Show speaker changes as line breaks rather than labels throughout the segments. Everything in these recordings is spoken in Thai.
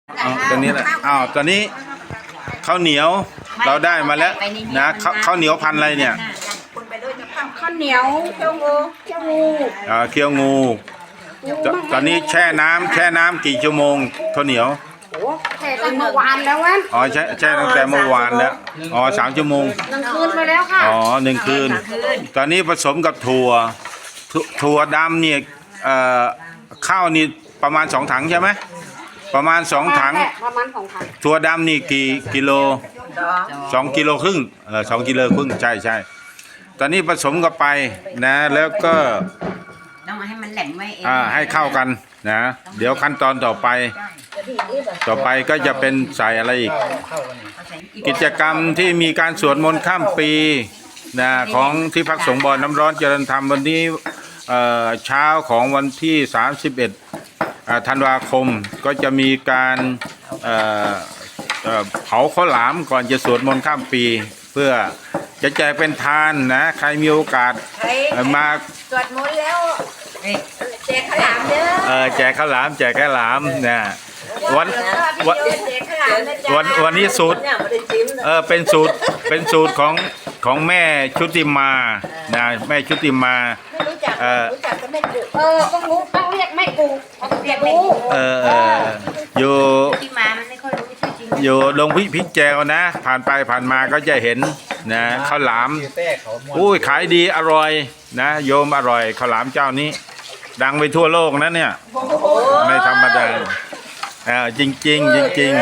ตอนนี้แหละตอนนี้ข้าวเหนียวเราได้มาแล้วนะข้าวเหนียวพันอะไรเนี่ย
ข้าวเหนียวเคี่ยวงูเคี่ยวงู
เคี่ยวงูตอนนี้แช่น้ำกี่ชั่วโมงข้าวเหนียว
แช่ตั้งเมื่อวานแล้ววัน
แช่ตั้งแต่เมื่อวานแล้ว3 ชั่วโมง
1 คืนมาแล้วค่ะ
1 คืนตอนนี้ผสมกับถั่วดำเนี่ยข้าวนี่ประมาณ2 ถังใช่ไหมประมาณ2 ถังถั่วดำนี่กี่กิโล2 กิโลครึ่ง2 กิโลครึ่งใช่ตอนนี้ผสมกันไปนะแล้วก็
ต้องให้มันแหลมไว้
ให้เข้ากันนะเดี๋ยวขั้นตอนต่อไปก็จะเป็นใส่อะไรอีกกิจกรรมที่มีการสวดมนต์ข้ามปีนะของที่พักสงฆ์บ่อน้ำร้อนเจริญธรรมวันนี้เช้าของวันที่31 ธันวาคมก็จะมีการเผาข้าวหลามก่อนจะสวดมนต์ข้ามปีเพื่อจะแจกเป็นทานนะใครมีโอกาสมา
สวดมนต์แล้วแจกข้าวหลามเด้อ
แจกข้าวหลามนะวันนี้สูตรเป็นสูตรของแม่ชุติมานะแม่ชุติมา
รู้จักก็แม่กูต้องรู้ต้องเรียกแม่กูเรียกแม่กู
อยู่
ที่มามันไม่ค่อยรู้ชื่อจริง
อยู่ลงพิแจวนะผ่านไปผ่านมาก็จะเห็นนะข้าวหลามอุ้ยขายดีอร่อยนะโยมอร่อยข้าวหลามเจ้านี้ดังไปทั่วโลกนะเนี่ยไม่ธรรมดาจริง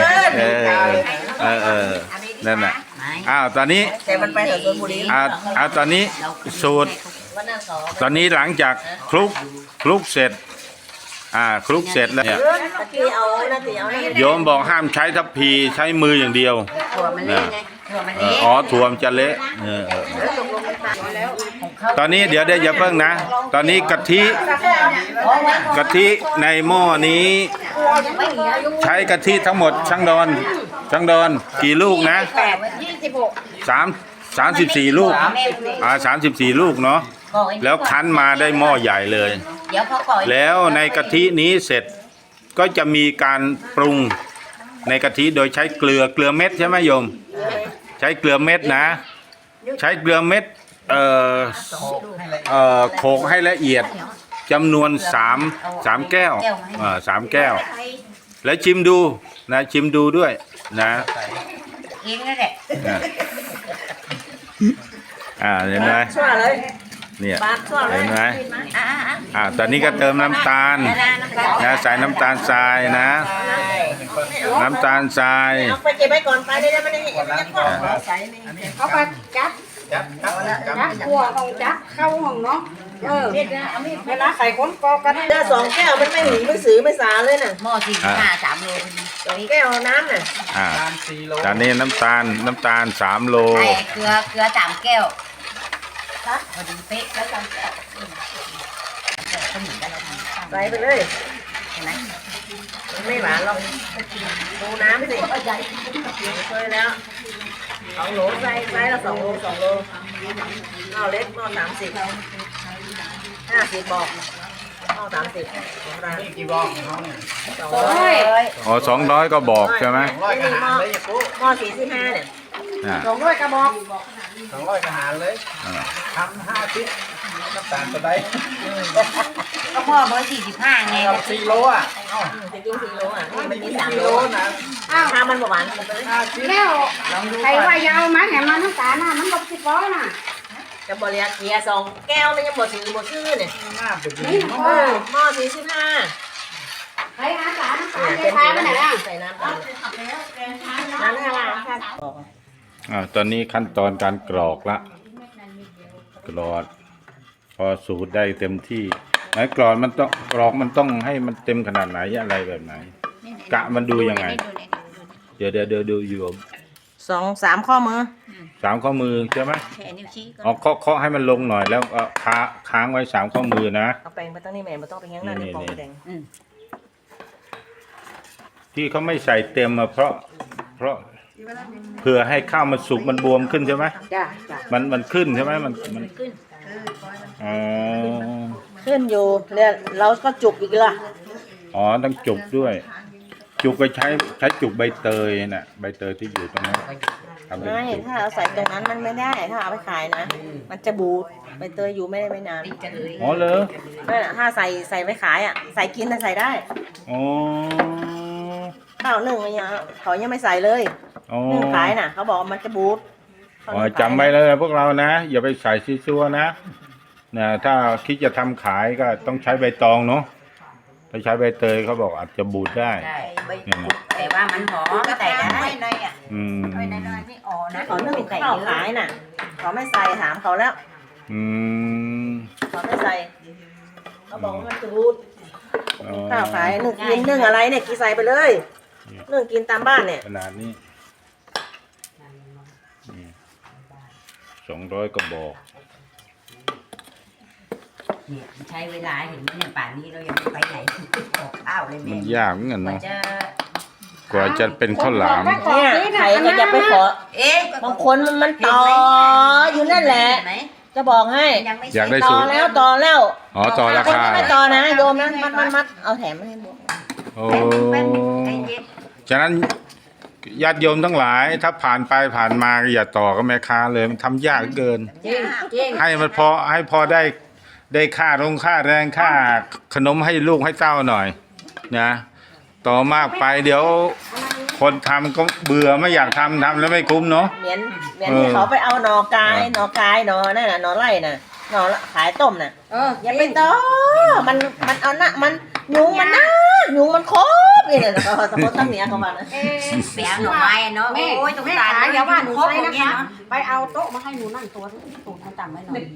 นั่นแหละตอนนี้ตอนนี้สูตรตอนนี้หลังจากคลุกเสร็จคลุกเสร็จแล้วเนี่ยโยมบอกห้ามใช้ทัพพีใช้มืออย่างเดียว
ถั่วมันเละไง
ถั่วมันจะเละตอนนี้เดี๋ยวอย่าเพิ่งนะตอนนี้กะทิในหม้อนี้ใช้กะทิทั้งหมดช่างดอนกี่ลูกนะ34 ลูก34 ลูกเนาะแล้วคั้นมาได้หม้อใหญ่เลยแล้วในกะทินี้เสร็จก็จะมีการปรุงในกะทิโดยใช้เกลือเม็ดใช่ไหมโยมใช้เกลือเม็ดนะใช้เกลือเม็ดโขลกให้ละเอียดจำนวน3 แก้ว3 แก้วแล้วชิมดูนะชิมดูด้วยนะ
เองนั่นแหละ
เห็นไหมเนี่ยเห็นไหมตอนนี้ก็เติมน้ำตาลนะใส่น้ำตาลทรายนะน้ำตาลทราย
เอาไปเก็บไว้ก่อนไปได้ไม่ได้เอาไปจับขัวของจับเข้าห้องเนาะเวลาไข่คนกอกันได้2 แก้วมันไม่หนีไม่สือไม่สาเลยน่ะ
หม้อ45 3 โล
2 แก้วน้ำน่ะ
ตอนนี้น้ำตาล3 โล
เกลือ3 แก้วพอดีเป๊ะแล้ว3 แก้ว
ใส่ไปเลยไม่หวานหรอกดูน้ำสิเคยแล้ว2 โลใส่ละ2 โลเอาเล็กหม้อ50บอกหม้อ30กี่บอก
200ก็บอกใช่ไหม
หม้อ45เนี่ย200กระบอก
200กระหารเลยทำ5 ชิ้นน้ำตาลตัวใด
ก็พ่อเบอร์45ไง
4 โล
จะกิน4 โล
ไม่กิน3 โลนะ
ถ้ามันหวานแล้วใครว่ายาวมาแหมมันน้ำตาลน่ะมัน60 น่ะจะบริยาเกียร์2 แก้วไม่ยังหมดชื่อเนี่ยนี่หม้อ45ใครน้ำตาลใส่น้ำตาลใส่น้ำตาล
ตอนนี้ขั้นตอนการกรอกละกรอกพอสูตรได้เต็มที่ไหนกรอกมันต้องให้มันเต็มขนาดไหนอะไรแบบไหนกะมันดูยังไงเดี๋ยวดูอยู่
2-3 ข้อมือ
3 ข้อมือใช่ไหมเคาะให้มันลงหน่อยแล้วค้างไว้3 ข้อมือนะ
เอาแปรงไปตั้งนี่แม่ไม่ต้องไปงั้นนั่นในกล่องแดง
ที่เขาไม่ใส่เต็มเพราะเพื่อให้ข้าวมันสุกมันบวมขึ้นใช่ไหมมันขึ้นใช่ไหมมัน
ขึ้น
ขึ้นอยู่แล้วเราก็จุกอีกละ
ต้องจุกด้วยจุกก็ใช้จุกใบเตยน่ะใบเตยที่อยู่ตรงนั้นทำเป็น
ไม่
จุก
ถ้าเอาใส่ตรงนั้นมันไม่ได้ถ้าเอาไปขายนะมันจะบูดใบเตยอยู่ไม่ได้ไม่นาน
ติดกันเลย
อ๋อเหรอ
นั่นน่ะถ้าใส่ไปขายอ่ะใส่กินน่ะใส่ได้
อ๋อ
ข้าวนึ่งอะไรเงี้ยเขายังไม่ใส่เลย
อ๋อ
นึ่งขายน่ะเขาบอกว่ามันจะบูด
อ๋อจำไว้เลยพวกเรานะอย่าไปใส่ซีซัวนะถ้าคิดจะทำขายก็ต้องใช้ใบตองเนาะถ้าใช้ใบเตยเขาบอกอาจจะบูดได้
ได้แต่ว่ามันหอมก็ใส่ได้
อืม
น้อยไม่อ่อนนะ
เขานึ่งข้าวขายน่ะเขาไม่ใส่ถามเขาแล้ว
อืม
เขาไม่ใส่เขาบอกว่ามันจะบูด
อ๋อ
ข้าวขายนึ่งกินนึ่งอะไรเนี่ยกินใส่ไปเลยนึ่งกินตามบ้านเนี่ย
ขนาดนี้200กระบอก
เนี่ยใช้เวลาเห็นไหมเนี่ยป่านนี้เรายังไม่ไปไหนออกข้าวเลย
มัน
แม่
ยากเหมือนกัน
กว่า
เนาะ
จะ
กว่าจะเป็นข้าวหลาม
เนี่ยใครก็จะไปขอ
เอ๊ะ
บางคนมันต่ออยู่นั่นแหละ จะบอกให้
ยังไม่
อยากได้
ต่อแล้วต่อแล้ว
อ๋อต่อรา
คน
คา
ที่ไม่ต่อนะโยมนะมัดเอาแถมมาให้บวก
โอ้
ใจเย็น
ฉะนั้นญาติโยมทั้งหลาย ถ้าผ่านไปผ่านมาก็อย่าต่อกับแม่ค้าเลยมันทำยากเกิน
จริงจริง
ให้มันพอได้ค่าค่าแรงค่าขนมให้ลูกให้เต้าหน่อยนะต่อมากไปเดี๋ยวคนทำก็เบื่อไม่อยากทำแล้วไม่คุ้มเนาะ
เหมียนที่เขาไปเอาหน่อกายหน่นั่นน่ะหน่อไร่น่ะหน่อขายต้มน่ะอย่าไปต่อมันเอาหน้ามันยุงมันนะยุงมันครบนี่น่ะเขาสมมติตั้งเหนียเขามานะ
เสียหน่อไม้เนาะโอ้ยตรงกลาง
อย่าว่าหนู
ครบ
ใช่
อย่าง
นะ
เงี้ย
คะ
เนาะ
ไปเอาโต๊ะมาให้หนูนั่งตัวตูดให้ต่ำไว้หน่อย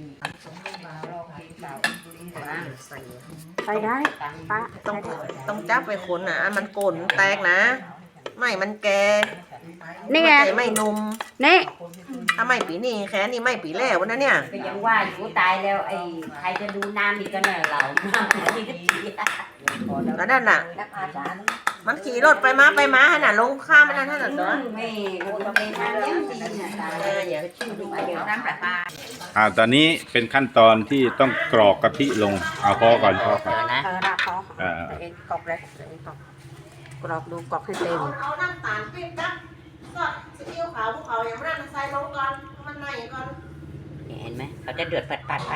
ไปได้ป้า
ต้องจับไปคนน่ะมันโกนแตกนะไม่มันแก่
นี่ไง
ไม่นุ่ม
นี่
ถ้าไม่ปีนี้แค่นี้ไม่ปีแล้วนะเนี่ย
ก็ยังว่าอยู่ตายแล้วไอ้ใครจะดูน้ำอีกก็เนี่ยเราน้ำที่ดี
แล้วนั่นน่ะ
นักอาจารย์
มันขี่รถไปมาขนาดลงข้ามมันนั่นน่ะตัว
ไม่คนเป็นน้ำยังดีเนี่ยตาย
อย่า
เดี๋ยวน้ำประปา
ตอนนี้เป็นขั้นตอนที่ต้องกรอกกะทิลงเอาพอก่อน
นะ
ราคอ
อ่า
เองกรอกเลยกรอกดูกรอกให้เต็ม
เอาน้ำตาลปิ๊บกับก็ซีอิ๊วขาวภูเขาอย่างนั้นใส่ลงก่อนมันไหนก่อน
เห็นไหมเขาจะเดือดปัด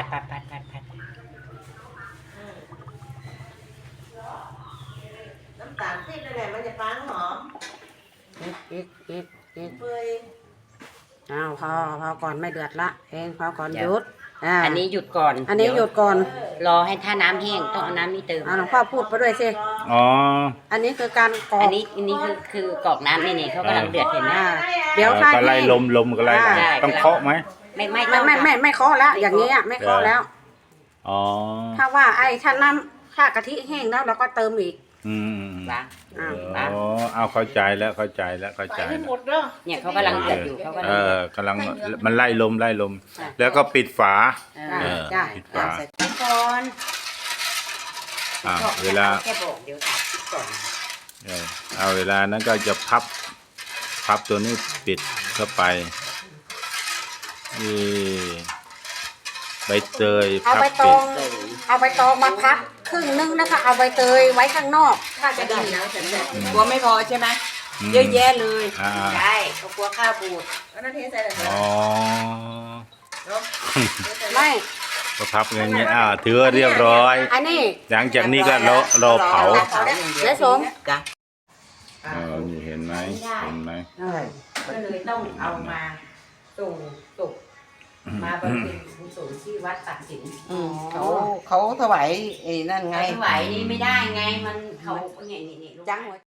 น้ำตาลปิ๊บนั่นแหละมันจะฟังหอม
อีก
เปื่อย
อ้าวพอก่อนไม่เดือดละเองพอก่อนหยุด
อันนี้หยุดก่อน
อันนี้หยุดก่อน
รอให้ถ้าน้ำแห้งต้องเอาน้ำนี้เติม
หลวงพ่อพูดไปด้วยสิ
อ๋อ
อันนี้คือการกรอ
อั
ก
นนี้คือกรอกน้ำนี่เขากำลังเดือดเห็นไหม
เดี๋ยวถ้า
ก็ไล่
แห้ง
ลมก็ไล่
ได้
ต้องเคาะไหม
ไม่เคาะแล้วอย่างนี้ไม่เคาะแล้ว
อ๋อ
ถ้าว่าถ้าน้ำถ้ากะทิแห้งแล้วเราก็เติมอีก
อืม
ล้าง
อ๋อเอาเข้าใจแล้วเข้าใจแล้ว
ใส่ให้หมดเด้อ
เนี่ยเขากำลังเดือดอยู่เขากำลังเดือด
กำลังมันไล่ลมแล้วก็ปิดฝา
ได้
ปิดฝา
ก่อน
เวลา
แค่บอกเดี๋ยวถามก่อน
เอาเวลานั้นก็จะพับตัวนี้ปิดเข้าไปนี่ใบเตย
เอา
พับ
ใบต
ปิ
อ
ด
งเอาใบตองมาพับครึ่งนึงนะคะเอาใบเตยไว้ข้างนอก ถ้าจะดีนะ
กลัวไม่พอใช่ไหมเยอะแยะเลย
อ่า
ใช่เขากลัวข้าวบูด
แล้วนั่นเทใส่เลย
อ๋อ
ไม่
ก็พับอย่างเงี้ยถือว่าเรียบร้อย
อันนี้
หลังจากนี้ก็รอเผา
เดี๋ยวสม
จ้ะ
นี่เห็นไหม
ก็เลยต้องเอามาส่งศพมาบำเพ็ญกุศลที่วัดตักสิน
เขาถวายไอ้นั่นไง
ไม่ไหวนี่ไม่ได้ไงมันเขาเนี่ยนี่
จังหัว